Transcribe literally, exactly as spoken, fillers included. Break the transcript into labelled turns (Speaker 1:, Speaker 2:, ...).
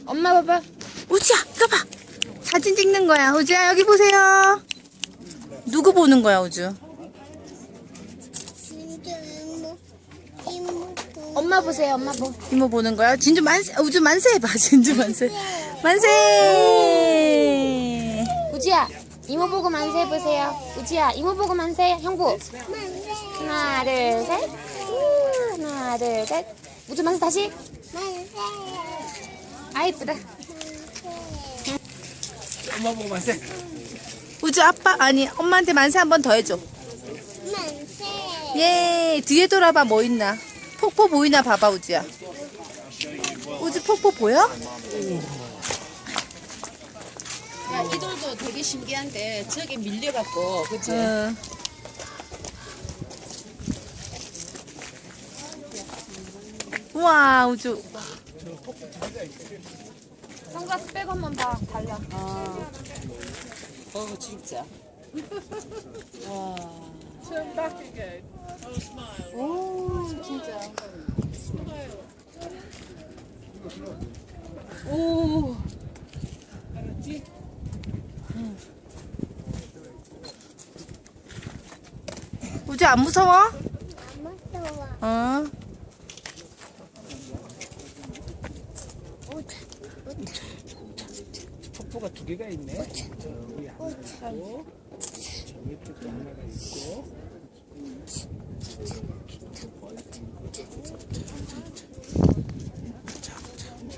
Speaker 1: 엄마 봐봐.
Speaker 2: 우지야, 이거 봐. 사진 찍는 거야. 우지야, 여기 보세요. 누구 보는 거야, 우주?
Speaker 1: 엄마 보세요. 엄마 보.
Speaker 2: 이모 보는 거야? 진주 만세, 우주 만세 해봐. 진주 만세. 만세!
Speaker 1: 우지야, 이모 보고 만세 해보세요. 우지야, 이모 보고 만세. 형부. 하나, 둘, 셋. 우, 하나, 둘, 셋. 우주 만세 다시. 아, 이쁘다.
Speaker 3: 엄마 보고 만세.
Speaker 2: 우주 아빠, 아니, 엄마한테 만세 한 번 더 해줘. 예, 뒤에 돌아봐, 뭐 있나? 폭포 보이나 봐봐, 우주야. 우주 폭포 보여?
Speaker 4: 야, 이 돌도 되게 신기한데 저게 밀려갖고 그치?
Speaker 2: 응. 우와, 우주.
Speaker 1: 선글라스 빼고 한 번 봐. 달라.
Speaker 4: 어, 어 진짜 와. 오 진짜 오
Speaker 2: 우주 안 무서워? 어.
Speaker 3: 폭포가 두 개가 있네. 저기 하나 있고, 저 밑에도 하나가 있고.